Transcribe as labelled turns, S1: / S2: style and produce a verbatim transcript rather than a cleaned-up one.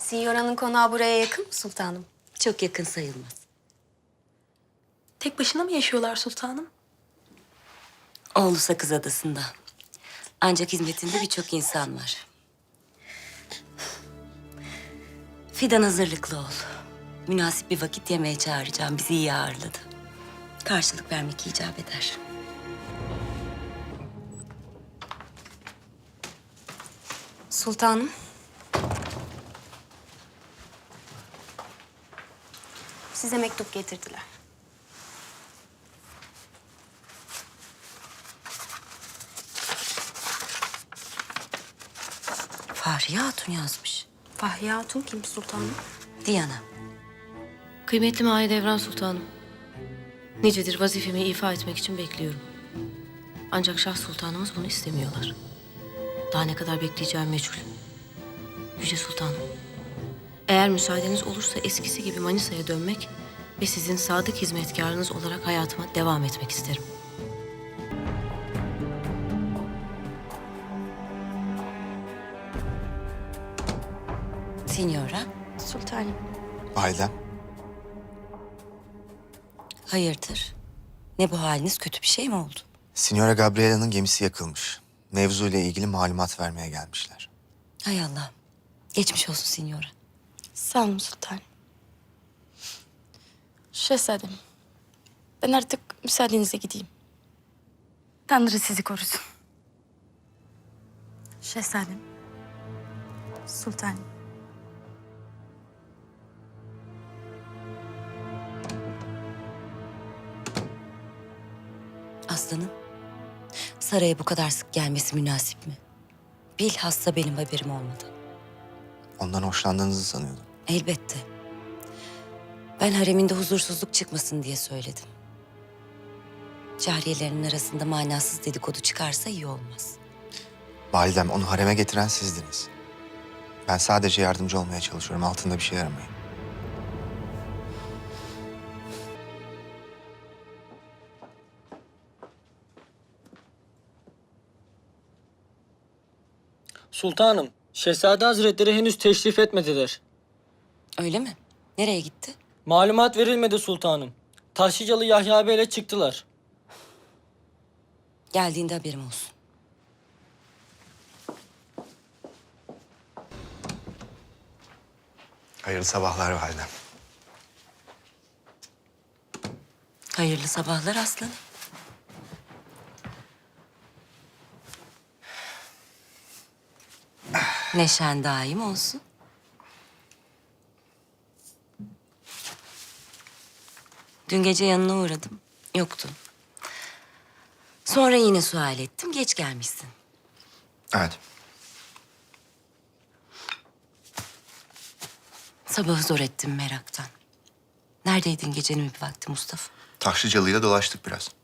S1: Sinyora'nın konağı buraya yakın mı sultanım?
S2: Çok yakın sayılmaz.
S3: Tek başına mı yaşıyorlar sultanım?
S2: Oğlu Sakız Adası'nda. Ancak hizmetinde birçok insan var. Fidan hazırlıklı ol. Münasip bir vakit yemeğe çağıracağım. Bizi iyi ağırladı. Karşılık vermek icap eder.
S1: Sultanım. Size mektup getirdiler.
S2: Fahriye Hatun yazmış.
S1: Fahriye Hatun kim sultanım?
S2: Diana.
S3: Kıymetli Mahidevran Sultanım. Nicedir vazifemi ifa etmek için bekliyorum. Ancak Şah Sultanımız bunu istemiyorlar. Daha ne kadar bekleyeceğim meçhul. Yüce Sultanım, eğer müsaadeniz olursa eskisi gibi Manisa'ya dönmek ve sizin sadık hizmetkarınız olarak hayatıma devam etmek isterim.
S2: Signora.
S1: Sultanım.
S4: Validem,
S2: Hayırdır? Ne bu haliniz? Kötü bir şey mi oldu?
S4: Signora Gabriela'nın gemisi yakılmış. Mevzu ile ilgili malumat vermeye gelmişler.
S2: Hay Allah. Geçmiş olsun Signora.
S5: Sağ olun sultanım. Şehzadem, ben artık müsaadenizle gideyim. Tanrı sizi korusun. Şehzadem, sultanım.
S2: Aslanım, saraya bu kadar sık gelmesi münasip mi? Bilhassa benim haberim olmadı.
S4: Ondan hoşlandığınızı sanıyordum.
S2: Elbette. Ben hareminde huzursuzluk çıkmasın diye söyledim. Cariyelerinin arasında manasız dedikodu çıkarsa iyi olmaz.
S4: Validem, onu hareme getiren sizdiniz. Ben sadece yardımcı olmaya çalışıyorum. Altında bir şey aramayın.
S6: Sultanım, Şehzade Hazretleri henüz teşrif etmediler.
S2: Öyle mi? Nereye gitti?
S6: Malumat verilmedi sultanım. Taşlıcalı Yahya Bey'le çıktılar.
S2: Geldiğinde haberim olsun.
S4: Hayırlı sabahlar validem.
S2: Hayırlı sabahlar aslanım. Neşen daim olsun. Dün gece yanına uğradım. Yoktun. Sonra yine sual ettim. Geç gelmişsin.
S4: Evet.
S2: Sabahı zor ettim meraktan. Neredeydin gecenin bir vakti Mustafa?
S4: Taşlıcalı'yla dolaştık biraz.